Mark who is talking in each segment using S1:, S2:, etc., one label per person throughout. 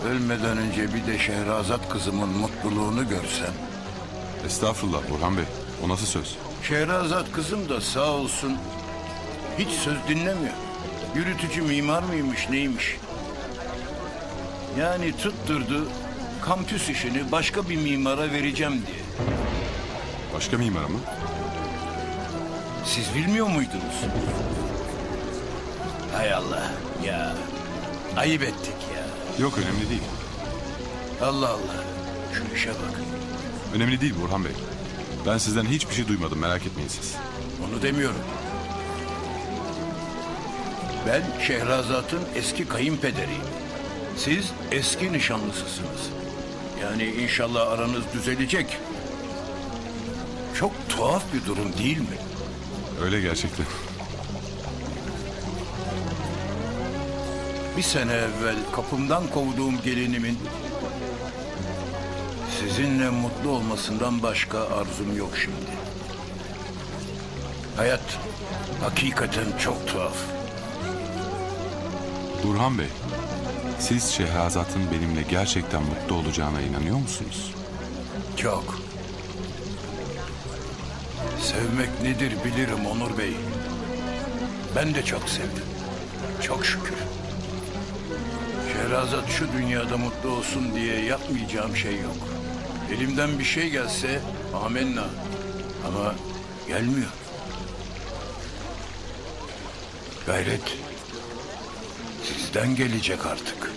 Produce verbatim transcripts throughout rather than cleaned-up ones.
S1: Ölmeden önce bir de Şehrazat kızımın mutluluğunu görsem.
S2: Estağfurullah Burhan Bey. O nasıl söz?
S1: Şehrazat kızım da sağ olsun hiç söz dinlemiyor. Yürütücü mimar mıymış neymiş? Yani tutturdu kampüs işini başka bir mimara vereceğim diye.
S2: Başka mimar mı?
S1: Siz bilmiyor muydunuz? Hay Allah ya. Ayıp ettik ya.
S2: Yok, önemli değil.
S1: Allah Allah. Şu işe bak.
S2: Önemli değil Burhan Bey. Ben sizden hiçbir şey duymadım, merak etmeyin siz.
S1: Onu demiyorum. Ben Şehrazat'ın eski kayınpederiyim. Siz eski nişanlısısınız. Yani inşallah aranız düzelecek. Çok tuhaf bir durum değil mi?
S2: Öyle gerçekten.
S1: Bir sene evvel kapımdan kovduğum gelinimin sizinle mutlu olmasından başka arzum yok şimdi. Hayat hakikaten çok tuhaf.
S2: Burhan Bey, siz Şehrazat'ın benimle gerçekten mutlu olacağına inanıyor musunuz?
S1: Çok. Sevmek nedir bilirim Onur Bey. Ben de çok sevdim. Çok şükür. Şehrazat şu dünyada mutlu olsun diye yapmayacağım şey yok. Elimden bir şey gelse amenna. Ama gelmiyor. Gayret sizden gelecek artık.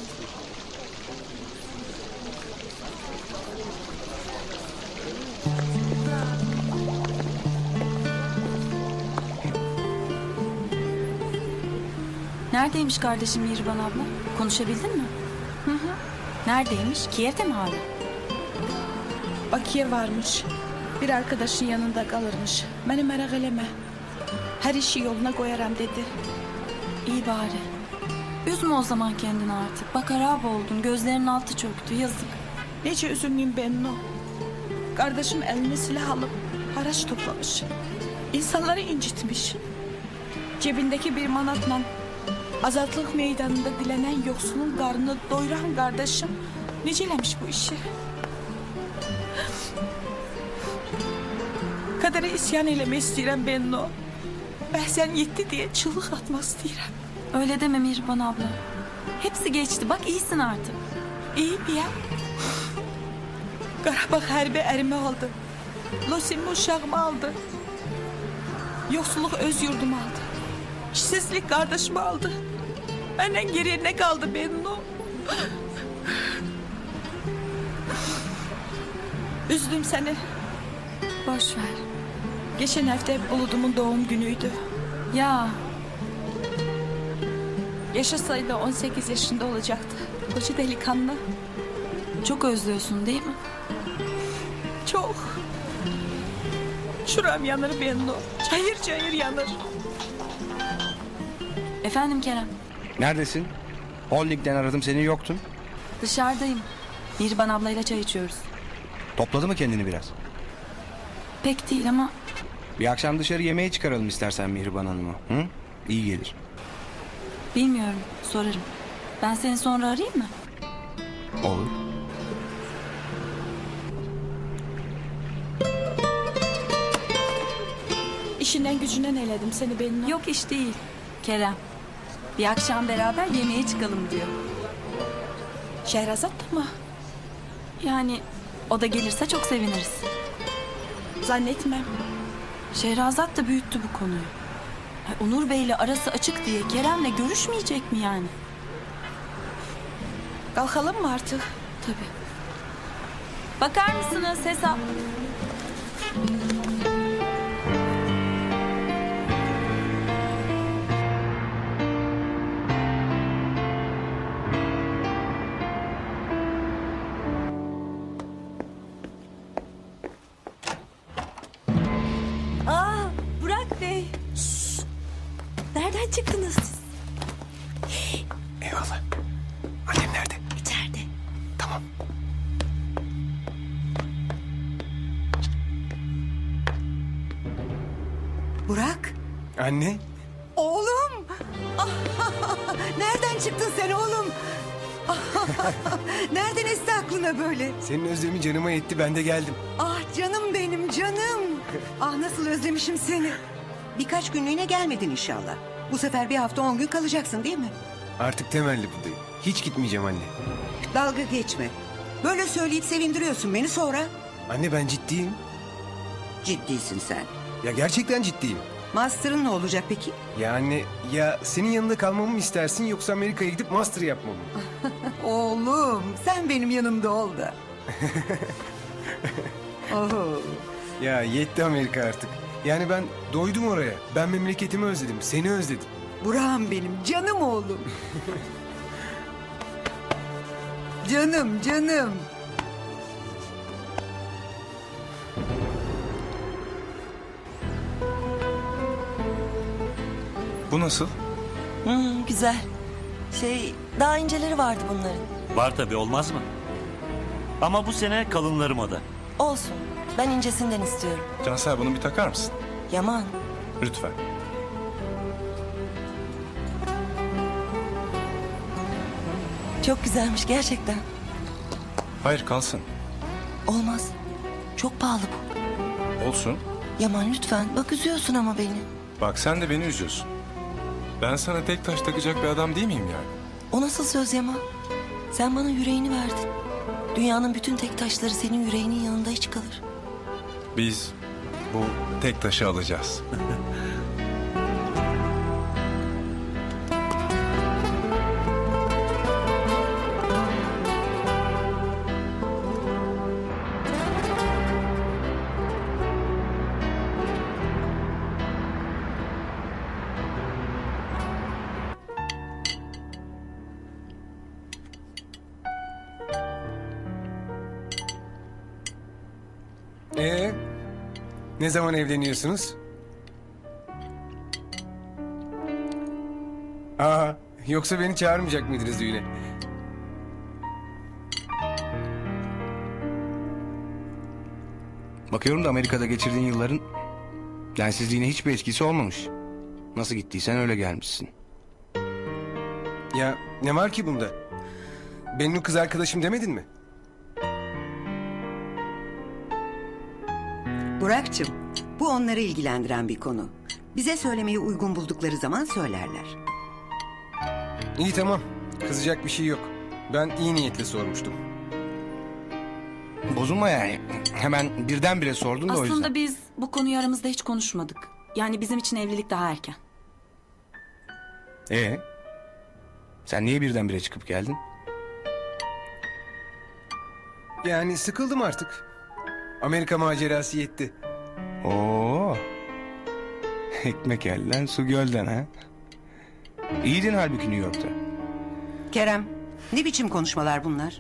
S3: Neredeymiş kardeşim Mihriban abla? Konuşabildin mi? Hı hı. Neredeymiş? Kiev'de mi hala?
S4: Bakıya varmış. Bir arkadaşın yanında kalırmış. Beni merak eleme. Her işi yoluna koyarım dedi.
S3: İyi bari. Üzme o zaman kendini artık. Bak harap oldun. Gözlerinin altı çöktü. Yazık.
S4: Nece üzülmeyeyim ben o. Kardeşim eline silah alıp haraç toplamış. İnsanları incitmiş. Cebindeki bir manatla azatlık meydanında dilenen yoksulun karnını doyuran kardeşim necelemiş bu işi. Kadere isyan eylemek istedim ben o. Behzen yetti diye çığlık atmak istedim.
S3: Öyle deme Mihriban abla. Hepsi geçti. Bak iyisin artık.
S4: İyi mi ya? Karabağ harbi erimi aldı. Losim'i uşağımı aldı. Yoksulluk öz yurdumu aldı. İşsizlik kardeşimi aldı. Benden geriye ne kaldı benim o? Üzdüm seni.
S3: Boş ver.
S4: Geçen hafta Bulut'umun doğum günüydü.
S3: Ya
S4: Yaşasaydı on sekiz yaşında olacaktı. Koca delikanlı.
S3: çok özlüyorsun değil mi?
S4: Çok. Şuram yanır benim o. Çayır çayır yanır.
S3: Efendim Kerem.
S5: Neredesin? Holding'den aradım, seni yoktun.
S3: Dışarıdayım. Mihriban ablayla çay içiyoruz.
S5: Topladı mı kendini biraz?
S3: Pek değil ama
S5: Bir akşam dışarı yemeğe çıkaralım istersen Mihriban Hanım'ı. Hı? İyi gelir.
S3: bilmiyorum. Sorarım. Ben seni sonra arayayım mı?
S5: Olur.
S4: İşinden gücünden eledim seni benim o.
S3: Yok iş değil. Kerem. Bir akşam beraber yemeğe çıkalım diyor.
S4: Şehrazat da mı?
S3: Yani o da gelirse çok seviniriz.
S4: Zannetmem.
S3: Şehrazat da büyüttü bu konuyu. Ay, Onur Bey'le arası açık diye Kerem'le görüşmeyecek mi yani?
S4: Kalkalım mı artık?
S3: Tabii. Bakar mısınız hesap?
S6: Aa, Burak Bey. Nereden çıktınız siz?
S5: Eyvallah. Annem nerede?
S6: İçeride.
S5: Tamam.
S6: Burak.
S5: Anne.
S6: Oğlum. Nereden çıktın sen oğlum?
S7: Nereden esti aklına böyle?
S5: Senin özlemin canıma yetti, ben de geldim.
S7: Ah canım benim canım. Ah nasıl özlemişim seni. Birkaç günlüğüne gelmedin inşallah. Bu sefer bir hafta on gün kalacaksın değil mi?
S5: Artık temelli buradayım. Hiç gitmeyeceğim anne.
S7: Dalga geçme. Böyle söyleyip sevindiriyorsun beni sonra.
S5: Anne ben ciddiyim.
S7: Ciddisin sen.
S5: Ya gerçekten ciddiyim.
S7: Master'ın ne olacak peki?
S5: Ya anne, ya senin yanında kalmamı mı istersin yoksa Amerika'ya gidip master yapmamı mı?
S7: Oğlum sen benim yanımda ol da. Oho.
S5: Ya yetti Amerika artık. Yani ben doydum oraya. Ben memleketimi özledim, seni özledim.
S7: Burak'ım benim canım oğlum. Canım canım.
S2: Bu nasıl?
S6: Hmm, güzel. Şey, daha inceleri vardı bunların.
S8: Var tabii, olmaz mı? Ama bu sene kalınları moda.
S6: Olsun. Ben incesinden istiyorum.
S2: Cansel bunu bir takar mısın?
S6: Yaman.
S2: Lütfen.
S6: Çok güzelmiş gerçekten.
S2: Hayır, kalsın.
S6: Olmaz. Çok pahalı bu.
S2: Olsun.
S6: Yaman lütfen. Bak üzüyorsun ama beni.
S2: Bak sen de beni üzüyorsun. Ben sana tek taş takacak bir adam değil miyim yani?
S6: O nasıl söz Yaman? Sen bana yüreğini verdin. Dünyanın bütün tek taşları senin yüreğinin yanında hiç kalır.
S2: Biz bu tek taşı alacağız.
S5: Ee, ne zaman evleniyorsunuz? Aa, yoksa beni çağırmayacak mıydınız düğüne?
S9: Bakıyorum da Amerika'da geçirdiğin yılların densizliğine hiçbir etkisi olmamış. Nasıl gittiysen öyle gelmişsin.
S5: Ya ne var ki bunda? Benim kız arkadaşım demedin mi?
S7: Burak'cığım bu onları ilgilendiren bir konu. Bize söylemeyi uygun buldukları zaman söylerler.
S5: İyi tamam. Kızacak bir şey yok. Ben iyi niyetle sormuştum.
S9: Bozulma yani. Hemen birdenbire sordun da o yüzden.
S3: Aslında biz bu konuyu aramızda hiç konuşmadık. Yani bizim için evlilik daha erken.
S9: Ee? Sen niye birdenbire çıkıp geldin?
S5: Yani sıkıldım artık. Amerika macerası yetti.
S9: Oo. Ekmek elden su gölden ha. İyiydin halbuki New York'ta.
S7: Kerem ne biçim konuşmalar bunlar?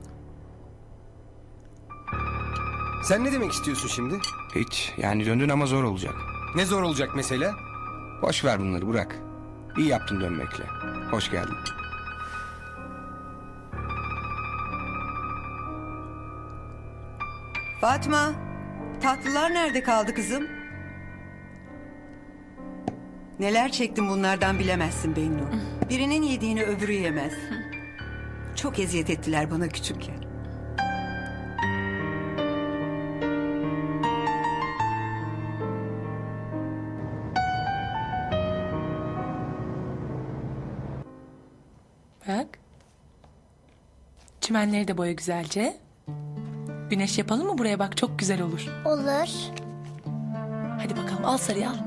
S5: Sen ne demek istiyorsun şimdi?
S9: Hiç yani döndün ama zor olacak.
S5: Ne zor olacak mesela?
S9: Boş ver bunları bırak. İyi yaptın dönmekle. Hoş geldin.
S7: Fatma tatlılar nerede kaldı kızım? Neler çektim bunlardan bilemezsin Bennu. Birinin yediğini öbürü yemez. Çok eziyet ettiler bana küçükken.
S10: Bak. Çimenleri de boya güzelce. Güneş yapalım mı buraya, bak çok güzel olur.
S11: Olur.
S10: Hadi bakalım, al sarıyı al.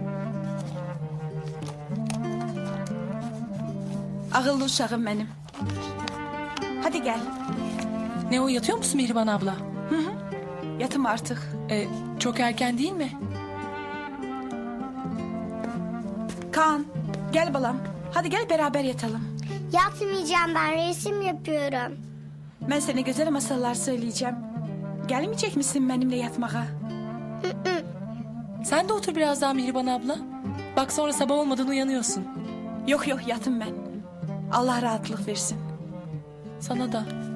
S4: Akıllı uşağım benim. Hadi gel.
S10: Ne o, yatıyor musun Mihriban abla?
S4: Yatım artık.
S10: Ee, çok erken değil mi?
S4: Kaan gel balam. Hadi gel beraber yatalım.
S11: Yatmayacağım, ben resim yapıyorum.
S4: Ben sana güzel masallar söyleyeceğim. Gelmeyecek misin benimle yatmaya?
S10: Sen de otur biraz daha Mihriban abla. Bak sonra sabah olmadan uyanıyorsun.
S4: Yok yok yatım ben. Allah rahatlık versin.
S10: Sana da.